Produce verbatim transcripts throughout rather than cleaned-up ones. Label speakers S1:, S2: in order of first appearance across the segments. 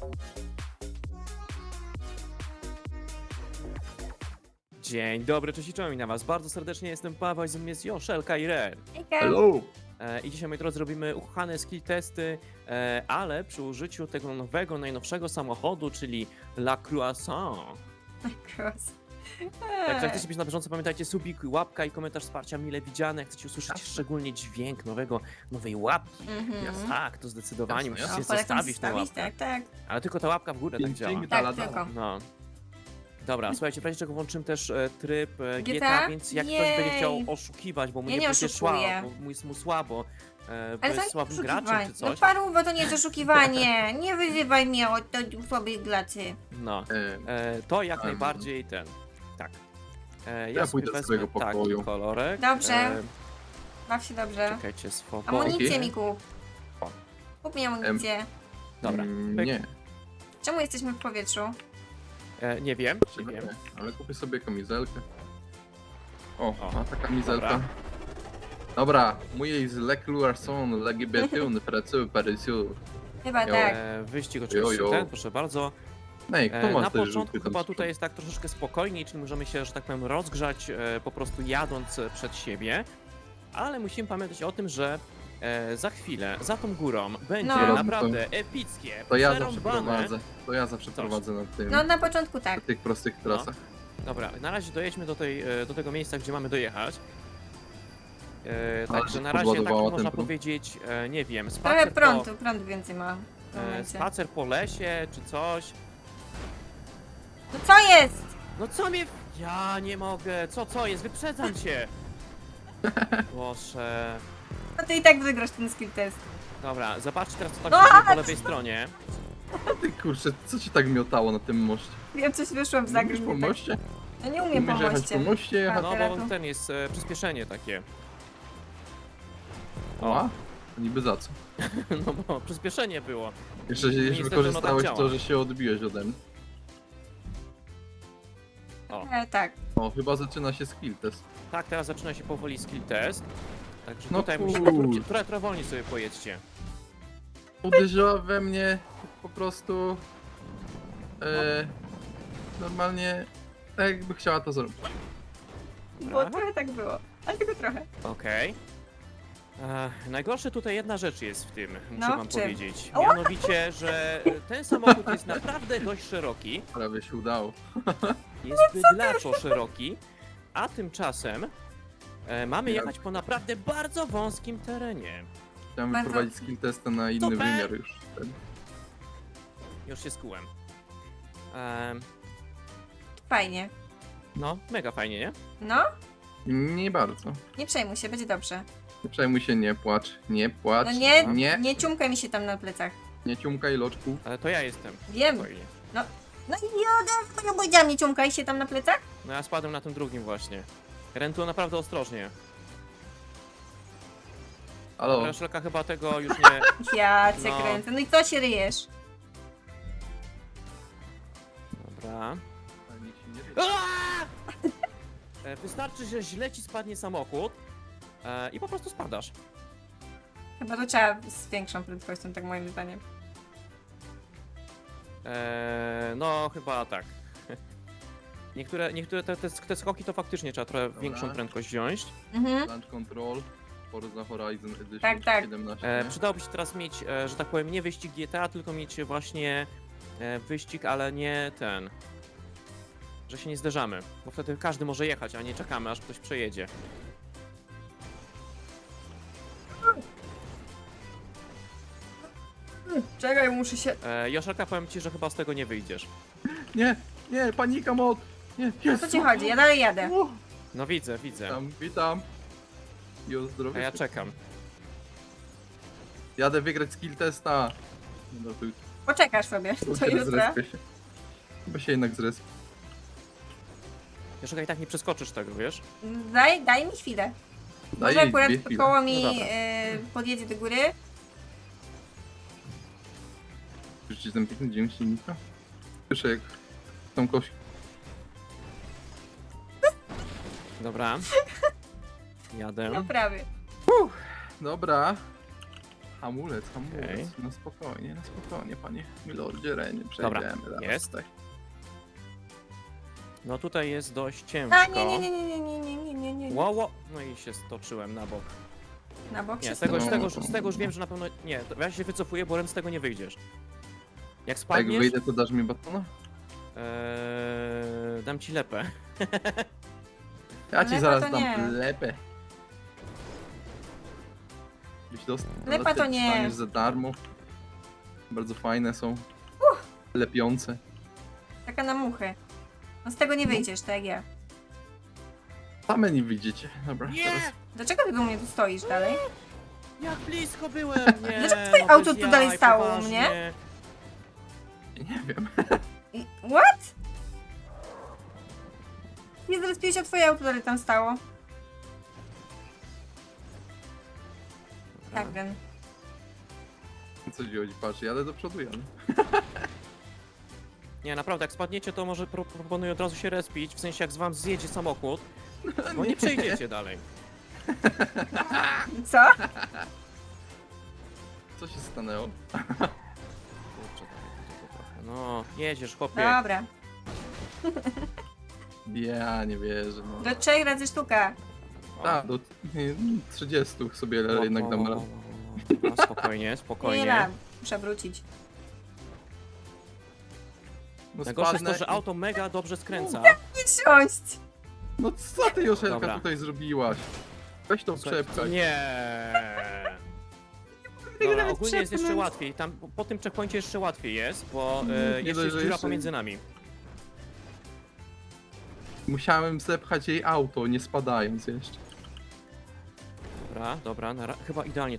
S1: Dzień dobry, cześć i czołem na was. Bardzo serdecznie jestem Paweł, z jest Joszelka i Ren.
S2: Hejka.
S3: Hello!
S1: E, I dzisiaj, moi drodzy, robimy ukochane skill testy, e, ale przy użyciu tego nowego, najnowszego samochodu, czyli La Croissant.
S2: Cross.
S1: Także jak chcecie być na bieżąco, pamiętajcie, subik, łapka i komentarz wsparcia mile widziane. Jak chcecie usłyszeć
S3: Jasne.
S1: szczególnie dźwięk nowego, nowej łapki.
S2: Mhm.
S3: Jasne.
S1: Tak, to zdecydowanie
S3: Jasne,
S1: musicie
S2: No, polecam
S1: zostawić tę
S2: zostawić,
S1: łapkę.
S2: tak, tak.
S1: Ale tylko ta łapka w górę tak
S3: Dzięki,
S1: działa.
S3: dzięki.
S2: Tak,
S3: Dala,
S2: tylko.
S3: dala.
S1: No. Dobra, słuchajcie, w razie czego włączymy też e, tryb e, G
S2: G
S1: T
S2: T A?
S1: A, więc jak ktoś
S2: Jej.
S1: będzie chciał oszukiwać, bo mu
S2: Ja
S1: nie
S2: nie
S1: będzie szła,
S2: oszukuję.
S1: bo mu jest mu słabo, e, bo
S2: Ale to
S1: jest
S2: nie
S1: słabym
S2: oszukiwanie.
S1: graczem czy
S2: No
S1: coś.
S2: paruwa, to nie jest oszukiwanie. Nie wyzywaj mnie od od słabej glacy.
S1: No,
S3: E,
S1: e, to jak
S3: Em.
S1: najbardziej ten, tak. E,
S3: Ja
S1: ja sobie
S3: pójdę z
S1: wezmę
S3: swojego
S1: taki
S3: pokoju.
S1: kolorek.
S2: Dobrze.
S1: E,
S2: Baw się dobrze.
S1: czekajcie, swobodnie.
S2: Amunicję
S3: Dzięki.
S2: mi kup.
S1: O.
S2: Kup mi amunicję.
S1: Dobra,
S3: mm,
S1: pyk.
S3: nie,
S2: Czemu jesteśmy w powietrzu?
S1: E, nie wiem, nie wiem.
S3: nie, ale kupię sobie kamizelkę. O,
S1: O,
S3: a ta kamizelka.
S1: dobra.
S3: Dobra, mój jest Le Croissant, Le Gibetun, Pracu, Parysiu.
S2: Chyba
S3: Jo.
S2: tak.
S1: E, wyścig oczywiście
S3: Jo, jo.
S1: ten, proszę bardzo.
S3: Nej, kto
S1: E,
S3: ma
S1: na
S3: te
S1: początku
S3: żółty tam
S1: chyba
S3: z
S1: tutaj
S3: przodu?
S1: jest tak troszeczkę spokojniej, czyli możemy się, że tak powiem, rozgrzać e, po prostu jadąc e, przed siebie, ale musimy pamiętać o tym, że e, za chwilę, za tą górą będzie
S2: No.
S1: naprawdę epickie,
S3: To ja zawsze
S1: przerąbane.
S3: prowadzę, to ja zawsze
S1: Coś.
S3: prowadzę na tym,
S2: No na początku tak.
S3: na tych prostych
S1: No.
S3: trasach.
S1: Dobra, na razie dojedźmy do, tej, e, do tego miejsca, gdzie mamy dojechać. E,
S3: Ale
S1: także
S3: się
S1: na razie tak
S3: podładowała
S1: można
S3: ten prąd.
S1: powiedzieć, e, nie wiem,
S2: Trochę
S1: spacer po,
S2: prądu, prąd więcej ma. W tym
S1: e,
S2: momencie.
S1: spacer po lesie czy coś.
S2: No co jest?
S1: No co mnie... Ja nie mogę, co, co jest? Wyprzedzam cię! Proszę...
S2: No ty i tak wygrasz ten skill test.
S1: Dobra, zobaczcie teraz co
S2: No,
S1: tak się dzieje po lewej stronie.
S3: A ty kurczę, co ci tak miotało na tym moście?
S2: Ja coś wyszłam w
S3: Umiesz
S2: zagrywkę.
S3: po moście?
S2: Ja nie umiem po
S3: Umiesz jechać
S2: moście.
S3: po moście jechać?
S1: No
S2: teraz
S1: bo
S2: tu.
S1: ten jest e, przyspieszenie takie.
S3: O, niby za co?
S1: No bo przyspieszenie było.
S3: Jeszcze,
S1: Niestety,
S3: jeszcze
S1: no
S3: wykorzystałeś
S1: tak
S3: to,
S1: działa.
S3: że się odbiłeś ode mnie.
S1: O,
S2: E, tak.
S3: O, chyba zaczyna się skill test.
S1: tak, teraz zaczyna się powoli skill test. Także
S3: No
S1: tutaj musimy
S3: kur-
S1: trochę, trochę, trochę wolniej sobie pojedźcie.
S3: Uderzyła we mnie po prostu... E, normalnie tak jakby chciała to zrobić.
S2: Bo
S1: Dobra.
S2: trochę tak było. Ale tylko trochę.
S1: Okej. E, Najgorsze tutaj jedna rzecz jest w tym, muszę
S2: No,
S1: wam
S2: czym?
S1: powiedzieć.
S2: O!
S1: Mianowicie, że ten samochód jest naprawdę dość szeroki.
S3: Prawie się udało.
S1: Jest bydlaczo szeroki, a tymczasem e, mamy
S3: Ja-
S1: jechać po naprawdę bardzo wąskim terenie.
S3: Chciałem
S2: Bardzo-
S3: wyprowadzić skill testa na inny
S1: Super.
S3: wymiar już. Ten.
S1: Już się skułem. Em,
S2: Fajnie.
S1: no, mega fajnie, nie?
S2: No,
S3: Nie bardzo.
S2: nie przejmuj się, będzie dobrze.
S3: Nie przejmuj się, nie płacz. Nie płacz.
S2: No nie,
S3: nie,
S2: nie ciumkaj mi się tam na plecach.
S3: nie ciumkaj loczku.
S1: Ale to ja jestem.
S2: Wiem.
S1: Spokojnie.
S2: No i jodę, ja powiedziałam, nie ciumkaj się tam na plecach?
S1: No ja spadłem na tym drugim właśnie. Rentu naprawdę ostrożnie.
S3: Halo,
S1: Raszelka chyba tego już nie...
S2: Ja cię
S1: No.
S2: kręcę. No i co się ryjesz?
S1: Dobra.
S3: nic się nie
S1: Aaaa! E, Wystarczy, że źle ci spadnie samochód e, i po prostu spadasz.
S2: Chyba to trzeba z większą prędkością, tak moim zdaniem.
S1: E, no, chyba tak. Niektóre, niektóre te, te, te skoki to faktycznie trzeba trochę
S3: Dobra.
S1: większą prędkość wziąć.
S2: Mhm.
S3: Launch Control, Forza Horizon Edition
S2: Tak, tak.
S3: siedemnaście.
S1: E, przydałoby się teraz mieć, e, że tak powiem, nie wyścig G T A, tylko mieć właśnie e, wyścig, ale nie ten. Że się nie zderzamy, bo wtedy każdy może jechać, a nie czekamy, aż ktoś przejedzie.
S2: Czekaj, muszę się...
S1: E, Joszelka, powiem ci, że chyba z tego nie wyjdziesz.
S3: Nie, nie, panika mod! Nie,
S2: O
S3: jest!
S2: co ci chodzi? Ja dalej jadę.
S3: O,
S1: No widzę, widzę.
S3: Witam, witam. I o
S1: A
S3: zdrowie.
S1: ja czekam.
S3: Jadę wygrać skill testa. No to
S2: Poczekasz sobie,
S3: to
S2: to
S3: kiedy
S2: jutro.
S3: zrespię się. Chyba się jednak zrespię.
S1: Joszelka, i tak nie przeskoczysz tego, wiesz?
S2: Daj, daj mi chwilę.
S3: Daj
S2: Może
S3: jej
S2: akurat
S3: dwie chwile.
S2: koło mi
S1: No dobra.
S2: y, podjedzie do góry.
S3: Słyszycie ten piękny dźwięk silnika? Słyszę jak tą kość.
S1: Dobra. Jadę.
S2: No prawie.
S3: Dobra. Hamulec, hamulec.
S1: Okej.
S3: No spokojnie, no spokojnie, panie Milordzie Renie.
S1: Dobra,
S3: Przejdziemy zaraz
S1: jest.
S3: tutaj.
S1: No tutaj jest dość ciężko.
S2: A nie, nie, nie, nie, nie, nie, nie, nie, nie, nie.
S1: Ło, ło. No i się stoczyłem na bok.
S2: Na bok
S1: Nie,
S2: się
S1: z tego, z,
S2: stoi.
S1: tego, już- z tego już wiem, że na pewno... Nie, to ja się wycofuję, bo Ren z tego nie wyjdziesz. Jak
S3: Jak
S1: spadniesz,
S3: wyjdę, to dasz mi batona?
S1: Eee, dam ci lepę.
S3: Ja ci
S2: Lepa
S3: zaraz
S2: to
S3: dam
S2: nie.
S3: lepę. Byś dostał.
S2: Lepa to nie.
S3: Dostaniesz za darmo. Bardzo fajne są. Lepiące.
S2: Taka na muchę. No z tego nie wyjdziesz, tak jak ja.
S3: Same nie widzicie. Dobra,
S1: Nie!
S3: teraz
S2: Dlaczego ty do mnie tu stoisz dalej?
S1: Jak blisko byłem! Nie,
S2: Dlaczego twoje
S1: no
S2: auto
S1: bez
S2: tu
S1: jaj,
S2: dalej stało u
S1: poważnie.
S3: nie wiem.
S2: I- What? Nie zrespiłeś, a twoje auto dalej tam stało. Tak, Ren.
S3: Co ci chodzi? Patrz, jadę do przodu, jadę.
S1: Nie, naprawdę, jak spadniecie, to może pro proponuję od razu się respić, w sensie jak z wam zjedzie samochód, bo nie przejdziecie dalej.
S2: Co?
S3: Co się stanęło?
S1: Kurczę, tak, to trochę. No, jedziesz, chłopie.
S2: Dobra.
S3: Ja nie wierzę. No.
S2: Do trzech razy sztuka.
S1: O,
S3: Tak, do nie, trzydziestu sobie
S1: o,
S3: jednak
S1: o,
S3: dam
S1: o,
S3: radę.
S1: o, o. No, spokojnie,
S2: Nie
S1: spokojnie.
S2: dam. Muszę wrócić.
S3: No
S1: Najgorsze jest to,
S3: spadnę
S1: że
S3: i-
S1: auto mega dobrze skręca.
S2: Nie siąść!
S3: No co ty, Joszelka,
S1: Dobra.
S3: tutaj zrobiłaś? Weź to
S1: Słuchaj,
S3: przepchaj.
S1: Nie.
S2: Tego
S1: Dobra,
S2: nawet
S1: ogólnie jest jeszcze
S2: przepchnąć.
S1: łatwiej. Tam po tym checkpoincie jeszcze łatwiej jest, bo
S3: Nie
S1: e,
S3: dość,
S1: jeszcze jest
S3: że
S1: dziura
S3: jeszcze-
S1: pomiędzy nami.
S3: Musiałem zepchać jej auto, nie spadając jeszcze.
S1: Dobra, dobra, na ra- chyba idealnie.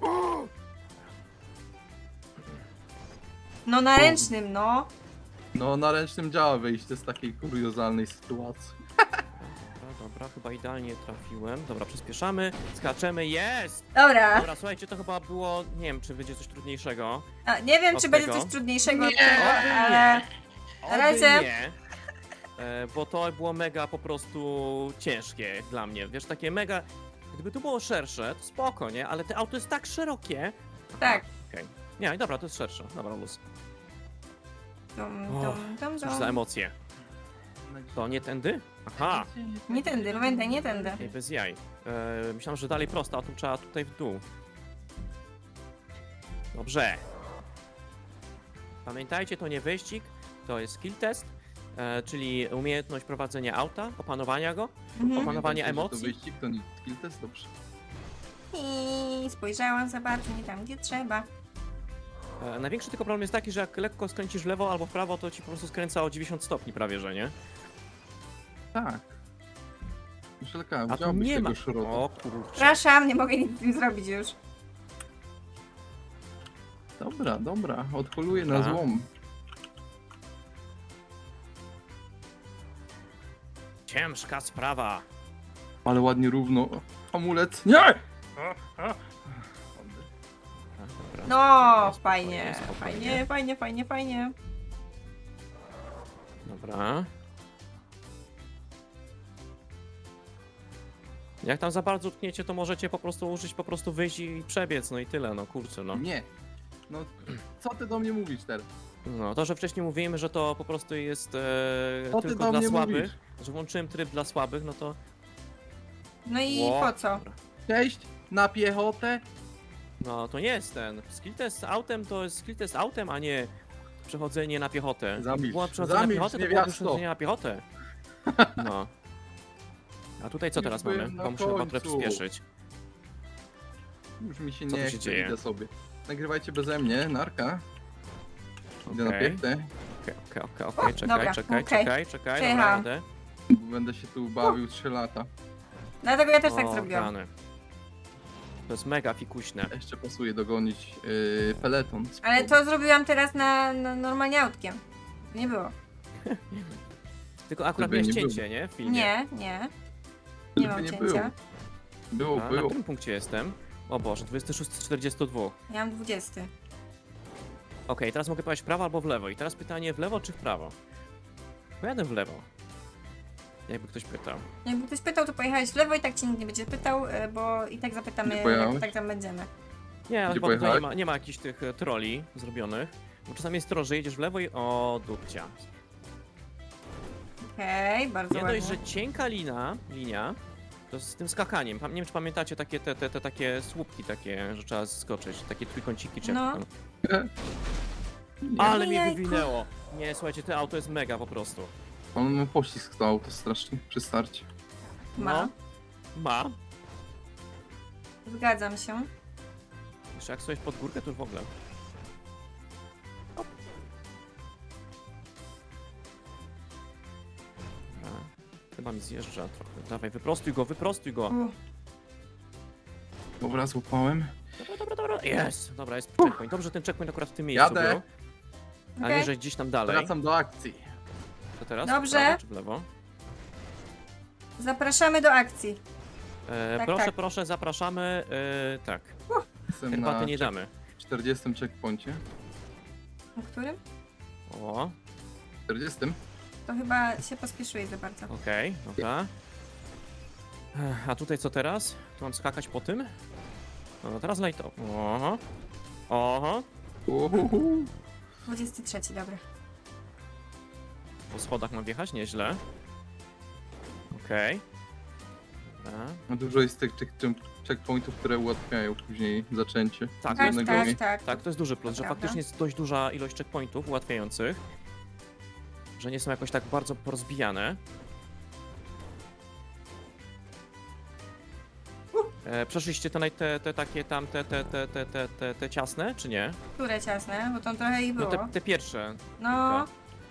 S2: No na ręcznym, no.
S3: No, na ręcznym działa wyjście z takiej kuriozalnej sytuacji.
S1: Dobra, dobra, chyba idealnie trafiłem. Dobra, przyspieszamy, skaczemy, jest!
S2: Dobra.
S1: Dobra, słuchajcie, to chyba było, nie wiem, czy będzie coś trudniejszego.
S2: A, nie wiem,
S1: Od
S2: czy będzie
S1: tego?
S2: coś trudniejszego od
S3: Nie,
S2: tego,
S1: oby
S2: ale...
S1: Oby
S2: razie-
S1: nie, e, bo to było mega po prostu ciężkie dla mnie. Wiesz, takie mega, gdyby to było szersze, to spoko, nie? Ale to auto jest tak szerokie.
S2: Tak.
S1: Okej. Nie, dobra, to jest szersze. Dobra, luz.
S2: Dum,
S1: Och,
S2: dum, dum,
S1: Cóż za
S2: dum.
S1: emocje. To nie tędy? Aha,
S2: Nie tędy, Rowenda, nie tędy.
S1: nie, bez jaj. E, myślałem, że dalej prosto, a tu trzeba tutaj w dół. Dobrze. Pamiętajcie, to nie wyścig, to jest skill test, e, czyli umiejętność prowadzenia auta, opanowania go.
S2: Mhm.
S1: Opanowanie
S3: Pamiętajcie, że
S1: emocji?
S3: To wyścig, to nie skill test, dobrze.
S2: I spojrzałam za bardzo nie tam, gdzie trzeba.
S1: E, największy tylko problem jest taki, że jak lekko skręcisz w lewo albo w prawo, to ci po prostu skręca o dziewięćdziesiąt stopni prawie, że nie?
S3: Tak. Joszelka,
S1: A tu
S3: wziąłbyś
S1: nie
S3: tego
S1: ma.
S3: szrota.
S1: O kurczę.
S2: Przepraszam, nie mogę nic z tym zrobić już.
S3: Dobra, dobra, odholuję na
S1: Dobra.
S3: złom.
S1: Ciężka sprawa.
S3: Ale ładnie równo. Hamulec. Nie!
S1: Dobra, dobra.
S2: No,
S1: Spokojnie,
S2: fajnie,
S1: spokojnie.
S2: fajnie, fajnie, fajnie, fajnie.
S1: Dobra. Jak tam za bardzo tkniecie, to możecie po prostu użyć, po prostu wyjść i przebiec, no i tyle, no kurczę, no.
S3: Nie. No, co ty do mnie mówisz teraz?
S1: No, to, że wcześniej mówimy, że to po prostu jest e,
S3: Co ty
S1: tylko
S3: do
S1: dla
S3: mnie
S1: słabych,
S3: mówisz?
S1: że włączyłem tryb dla słabych, no to...
S2: No i
S1: Ło.
S2: po co?
S1: Dobra.
S3: Cześć, na piechotę?
S1: No, to nie jest ten. Skill test autem to jest skill test autem, a nie przechodzenie na piechotę. Gdyby
S3: Zamilcz,
S1: było przechodzenie na
S3: zamilcz,
S1: piechotę, to byłoby
S3: niewiasto.
S1: przechodzenie na piechotę. No. A tutaj co
S3: Już
S1: teraz
S3: byłem
S1: mamy?
S3: na
S1: Bo muszę chyba trochę
S3: końcu.
S1: przyspieszyć.
S3: Już mi się
S1: Co tu
S3: nie
S1: się
S3: chce,
S1: dzieje?
S3: idę sobie. Nagrywajcie beze mnie, narka. Idę na
S1: Okej.
S3: piechtę.
S1: Okej, okej, okej, okej, czekaj,
S2: Dobra,
S1: czekaj,
S2: okej.
S1: czekaj, czekaj,
S2: Przejechałam.
S1: dobra, jadę.
S3: Będę się tu bawił trzy lata.
S2: Dlatego ja też tak
S1: O,
S2: zrobiłam.
S1: rany. To jest mega fikuśne.
S3: Jeszcze pasuje dogonić yy, peleton.
S2: Ale to zrobiłam teraz na, na normalnie autkiem. Nie było.
S1: Tylko akurat
S3: Gdyby
S1: miałeś
S3: nie
S1: cięcie, nie? W filmie.
S2: Nie, nie. Nie
S3: Gdyby
S2: mam
S3: nie
S2: cięcia.
S3: Było,
S1: A, na
S3: było.
S1: którym punkcie jestem? O Boże, dwudziesty szósty z czterdziestu dwóch.
S2: Ja mam dwudziesty.
S1: Okej, teraz mogę powiedzieć w prawo albo w lewo. I teraz pytanie, w lewo czy w prawo? Pojadę w lewo. Jakby ktoś pytał.
S2: Jakby ktoś pytał, to pojechałeś w lewo i tak cię nikt nie będzie pytał, e, bo i tak
S3: Nie
S2: zapytamy,
S3: pojechałeś?
S2: jak tak tam będziemy.
S1: Nie,
S3: Gdzie
S1: chyba tutaj nie
S3: pojechałeś?
S1: ma, nie ma jakichś tych e, troli zrobionych. Bo czasami jest troll, że jedziesz w lewo i o dupcia.
S2: Okej, bardzo
S1: Nie
S2: ładnie.
S1: dość, że cienka lina, linia, to z tym skakaniem. Pam- Nie wiem, czy pamiętacie takie te, te, te takie słupki takie, że trzeba skoczyć, takie trójkąciki czy jak
S2: No.
S1: to tam.
S3: Nie.
S1: Ale mnie
S2: Ojejku.
S1: wywinęło. Nie, słuchajcie, to auto jest mega po prostu.
S3: On ma pościsk to auto strasznie przy starcie.
S2: Ma.
S1: No. Ma.
S2: Zgadzam się.
S1: Jeszcze jak sobie pod górkę, to już w ogóle. Hop. Dobra. Chyba mi zjeżdża trochę. Dawaj, wyprostuj go, wyprostuj go.
S2: Uff.
S3: Dobra, złapałem.
S1: Dobra, dobra, dobra. Jest! Dobra, jest checkpoint. Dobrze, ten checkpoint akurat w tym miejscu
S3: Jadę.
S1: był. A nie,
S2: Okej.
S1: że gdzieś tam dalej.
S3: Wracam do akcji.
S1: To teraz?
S2: Dobrze.
S1: W prawo czy w lewo?
S2: Zapraszamy do akcji.
S1: E,
S2: Tak,
S1: proszę,
S2: tak.
S1: proszę, zapraszamy. E, tak,
S3: Jestem
S1: herbaty
S3: na
S1: nie damy.
S3: czterdziestym checkpoincie.
S2: Na którym?
S1: O,
S3: czterdziestym?
S2: To chyba się pospieszyłeś za bardzo.
S1: okej, dobra. Ech, a tutaj co teraz? Tu mam skakać po tym? No, teraz light. Oho. Oho.
S3: Uhuhu.
S2: dwudziesty trzeci, dobra.
S1: Po schodach mam wjechać? Nieźle. Okej. Dobra.
S3: No dużo jest tych check check- checkpointów, które ułatwiają później zaczęcie.
S1: Tak,
S3: z
S2: Tak,
S3: jednego
S2: tak,
S3: mi-
S2: tak.
S1: Tak, to jest duży plus,
S2: To
S1: że
S2: prawda.
S1: faktycznie jest dość duża ilość checkpointów ułatwiających. Że nie są jakoś tak bardzo porozbijane. E, przeszliście te, naj- te, te takie tam, te, te, te, te, te, te, te ciasne, czy nie?
S2: Które ciasne? Bo tam trochę ich
S1: No
S2: było.
S1: te, te pierwsze.
S2: No,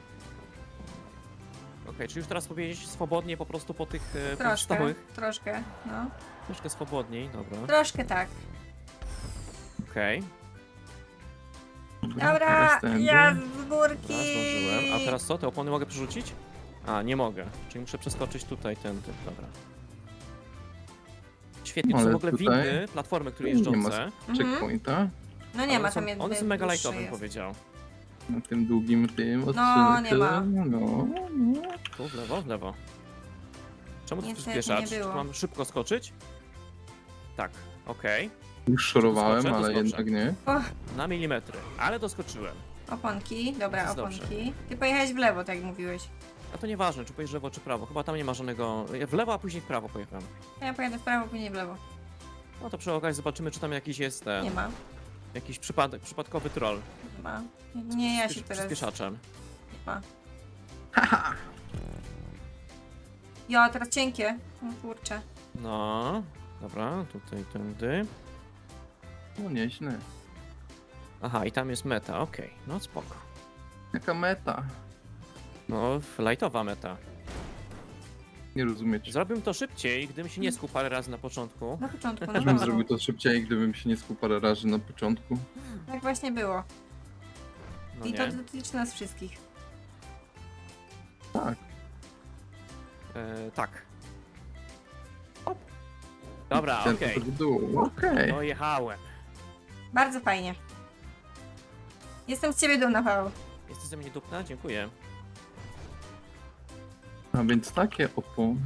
S1: Okej, czy już teraz powiedzieć swobodnie po prostu po tych e,
S2: troszkę,
S1: pozostałych?
S2: troszkę, no.
S1: Troszkę swobodniej, dobra.
S2: Troszkę tak.
S1: Okej,
S2: Dobra,
S3: teraz tędy.
S2: ja z
S1: okay.
S2: górki.
S1: zdążyłem. A teraz co? Te opony mogę przerzucić? A, nie mogę. Czyli muszę przeskoczyć tutaj tędy, dobra. Świetnie, to są
S3: Ale
S1: w ogóle
S3: tutaj
S1: windy, platformy, które
S3: nie ma
S1: jeżdżące.
S2: Mhm.
S3: Checkpointa.
S2: No nie
S1: One
S2: ma
S1: są-
S2: tam jednej.
S1: One są mega
S2: dłuższej
S1: lightowe, bym
S2: jest.
S1: powiedział.
S3: Na tym długim tym odcinku.
S2: No, nie ma.
S3: No, no.
S1: Tu, w lewo, w lewo. Czemu tu
S2: Niestety
S1: przyspieszasz?
S2: nie
S1: Czy
S2: było.
S1: mam szybko skoczyć? Tak, okej.
S3: Już szorowałem,
S1: Doskoczę,
S3: ale
S1: doskoczę.
S3: jednak nie.
S2: Och,
S1: Na milimetry, ale doskoczyłem.
S2: oponki, dobra,
S1: Jest dobrze.
S2: oponki. Ty pojechałeś w lewo, tak jak mówiłeś.
S1: A to nieważne, czy pojedziesz w lewo, czy prawo. Chyba tam nie ma żadnego... Ja w lewo, a później w prawo pojechałem.
S2: Ja pojadę w prawo, później w lewo.
S1: No to przy okazji zobaczymy, czy tam jakiś jest ten...
S2: Nie ma,
S1: Jakiś przypadek, przypadkowy troll.
S2: nie ma. Nie, ja się
S1: Przyspiesz-
S2: teraz...
S1: Przyspieszaczem.
S2: Nie ma. Ja, teraz cienkie. O kurczę.
S1: No, dobra, tutaj, tędy.
S3: No nieźle.
S1: Aha, i tam jest meta, okej, no spoko.
S3: Jaka meta?
S1: No, lightowa meta.
S3: Nie rozumiecie.
S1: Zrobiłbym to szybciej, gdybym się nie skuł parę razy na początku.
S2: Na początku, no
S3: Też bym
S2: dobra.
S3: zrobił to szybciej, gdybym się nie skuł parę razy na początku.
S2: Tak właśnie było.
S1: No
S2: I to
S1: nie.
S2: dotyczy nas wszystkich.
S3: Tak.
S1: E, tak. Hop. Dobra,
S3: Ten
S1: okej.
S3: to w dół. Okej.
S1: Dojechałem.
S2: Bardzo fajnie. Jestem z ciebie dumna, Paweł.
S1: Jesteś ze mnie dupna? Dziękuję.
S3: A więc takie opony.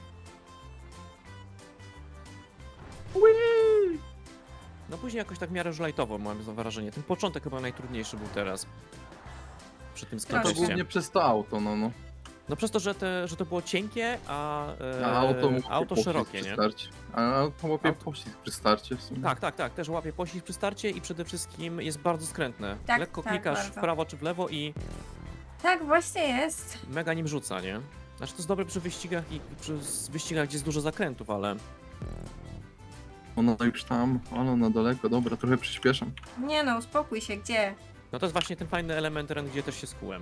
S1: No później jakoś tak w miarę już lightowo mam wrażenie. Ten początek chyba najtrudniejszy był teraz. Przy tym
S3: To
S2: Proszę.
S1: skręcie.
S3: głównie przez to auto, no no.
S1: No przez to, że, te, że to było cienkie, a, e,
S3: A auto, łapie
S1: auto
S3: pościsk
S1: szerokie,
S3: przy
S1: nie?
S3: starcie. A auto łapie
S1: Auto-
S3: pościsk przy starcie w sumie.
S1: Tak, tak, tak. Też łapie pościsk przy starcie i przede wszystkim jest bardzo skrętne.
S2: Tak,
S1: Lekko
S2: tak,
S1: klikasz
S2: bardzo.
S1: w prawo czy w lewo i
S2: Tak właśnie jest.
S1: mega nim rzuca, nie? Znaczy to jest dobre przy wyścigach i przy z- wyścigach, gdzie jest dużo zakrętów, ale...
S3: Ona już tam, ale na daleko, dobra, trochę przyspieszam.
S2: Nie no, uspokój się, gdzie?
S1: No to jest właśnie ten fajny element teren, gdzie też się skułem.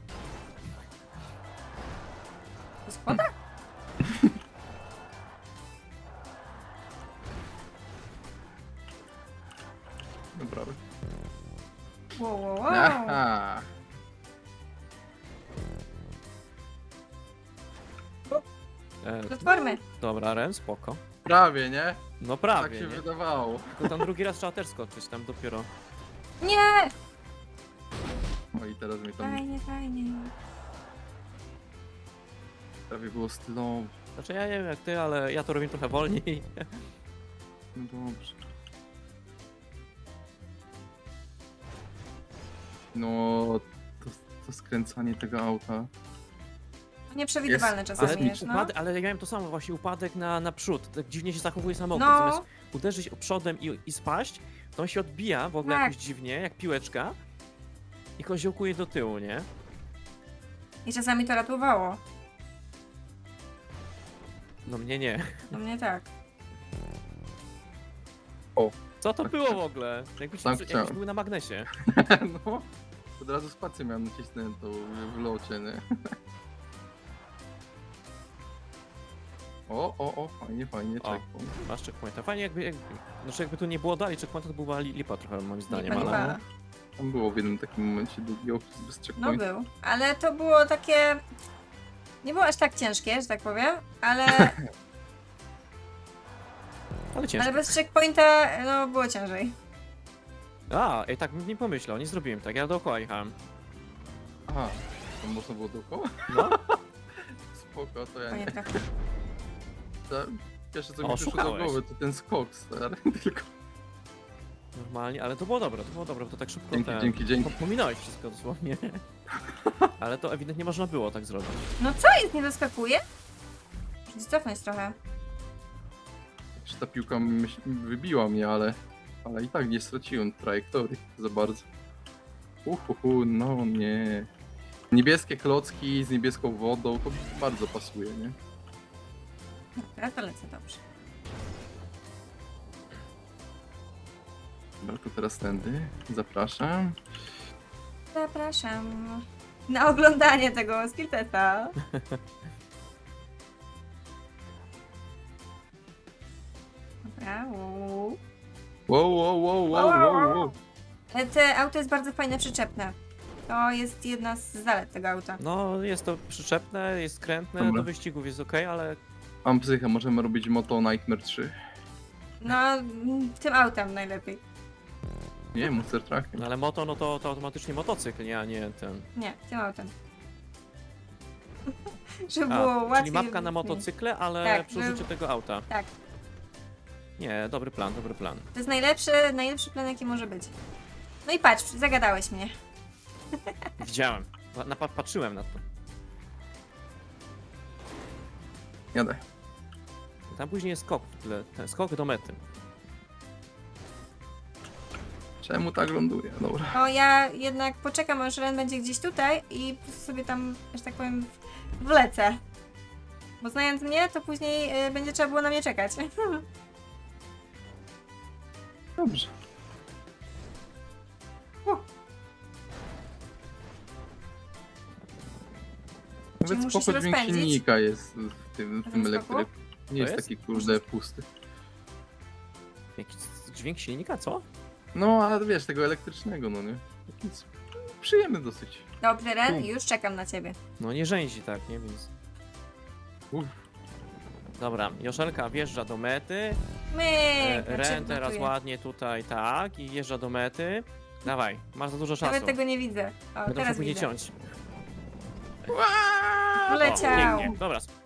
S2: Po schodach?
S3: Dobra.
S2: Wow, wow, wow.
S3: Aha.
S1: E,
S2: Platformy.
S1: dobra, Ren, spoko.
S3: Prawie, nie?
S1: No
S3: Tak
S1: prawie,
S3: się
S1: nie?
S3: wydawało.
S1: Tylko tam drugi raz trzeba też skoczyć, tam dopiero.
S2: Nie!
S3: O i teraz mi tam
S2: Fajnie, fajnie.
S3: prawie było stylowo.
S1: Znaczy ja nie wiem jak ty, ale ja to robię trochę wolniej.
S3: No dobrze. No, to, to skręcanie tego auta.
S2: Nieprzewidywalne
S3: Jest-
S2: czasami
S1: Ale,
S2: jest, no.
S1: upad- ale ja miałem to samo, właśnie upadek na, na przód. Tak dziwnie się zachowuje samochód.
S2: No.
S1: Zamiast uderzyć przodem i, i spaść, to on się odbija w ogóle
S2: Tak.
S1: jakoś dziwnie, jak piłeczka. I koziołkuje do tyłu, nie?
S2: I czasami to ratowało.
S1: No mnie nie.
S2: No mnie tak.
S1: Co to było w ogóle? Jakbyś,
S3: Tak
S1: jakbyś
S3: chciałem.
S1: był na magnesie.
S3: No, od razu spację miałem nacisnętą w locie, nie? O, o, o, fajnie, fajnie,
S1: O.
S3: checkpoint.
S1: Masz checkpointa. Fajnie jakby, jakby, znaczy jakby tu nie było dalej checkpointa, to była li- lipa trochę moim zdaniem,
S2: Lipa,
S1: ale...
S2: lipa.
S3: Tam było w jednym takim momencie długi opis bez
S2: No
S3: checkpointu.
S2: był. Ale to było takie... Nie było aż tak ciężkie, że tak powiem, ale,
S1: Ale ciężko.
S2: ale bez checkpointa no było ciężej.
S1: A, ej, tak bym nie pomyślał, nie zrobiłem tak, ja dookoła jechałem.
S3: Aha, tam można było dookoła?
S1: No,
S3: Spoko, to ja
S2: Panie
S3: nie.
S2: trochę.
S3: To Pierwsze co
S1: O,
S3: mi przyszło do
S1: szukałeś.
S3: głowy to ten skok, stary. Tylko
S1: normalnie, ale to było dobre, to było dobre, bo to tak szybko...
S3: dzięki,
S1: ten-
S3: dzięki, dzięki.
S1: Pominąłeś wszystko dosłownie. Ale to ewidentnie można było tak zrobić.
S2: No co jest, nie doskakuje? Muszę się cofnąć trochę.
S3: Czy ta piłka myśl, wybiła mnie, ale, ale i tak nie straciłem trajektorii za bardzo. Uhuhu, no nie. Niebieskie klocki z niebieską wodą, to bardzo pasuje, nie?
S2: Dobra, to lecę dobrze.
S3: Dobra, to teraz tędy. Zapraszam.
S2: Zapraszam na oglądanie tego skilltesta. Dobra, uuu.
S3: Wow, wow, wow, wow, wow, wow.
S2: Ale te auto jest bardzo fajne, przyczepne. To jest jedna z zalet tego auta.
S1: No, jest to przyczepne, jest skrętne,
S3: Dobra.
S1: do wyścigów jest ok, ale
S3: Mam psychę, możemy robić Moto Nightmare trzy.
S2: No, mm, tym autem najlepiej.
S3: Nie, Monster Truck.
S1: no, ale moto, no to, to automatycznie motocykl, nie, a nie ten.
S2: Nie, tym autem. Żeby
S1: A,
S2: było łatwiej.
S1: czyli mapka na motocykle, ale
S2: Tak,
S1: przy użyciu tego auta.
S2: Tak.
S1: Nie, dobry plan, dobry plan.
S2: To jest najlepszy, najlepszy plan, jaki może być. No i patrz, zagadałeś mnie.
S1: Widziałem, na, na, patrzyłem na to.
S3: Jadę.
S1: Tam później jest skok, w tle, ten skok do mety.
S3: Czemu tak ląduje? Dobra.
S2: O, ja jednak poczekam, aż Ren będzie gdzieś tutaj i sobie tam, że tak powiem, wlecę. Bo znając mnie, to później y, będzie trzeba było na mnie czekać.
S3: Dobrze.
S2: U.
S3: Nawet
S2: musisz
S3: spoko dźwięk
S2: rozpędzić?
S3: silnika jest w tym, w
S2: Na
S3: tym
S2: tym skoku?
S3: elektryku. Nie jest,
S1: jest?
S3: taki kurde pusty.
S1: Jakiś dźwięk silnika, co?
S3: No, ale wiesz, tego elektrycznego, no nie? Taki s- przyjemny dosyć.
S2: Dobrze, Ren,
S3: U.
S2: już czekam na ciebie.
S1: No nie rzęzi tak, nie? Więc...
S3: Uff.
S1: Dobra, Joszelka wjeżdża do mety.
S2: My,
S1: E,
S2: znaczy,
S1: Ren teraz
S2: notuję.
S1: ładnie tutaj, tak, i wjeżdża do mety. Dawaj, masz za dużo czasu.
S2: Nawet tego nie widzę. O,
S1: Będę musiał
S2: teraz
S1: później
S2: widzę.
S1: ciąć.
S2: Poleciał.
S1: O, pięknie. Dobra,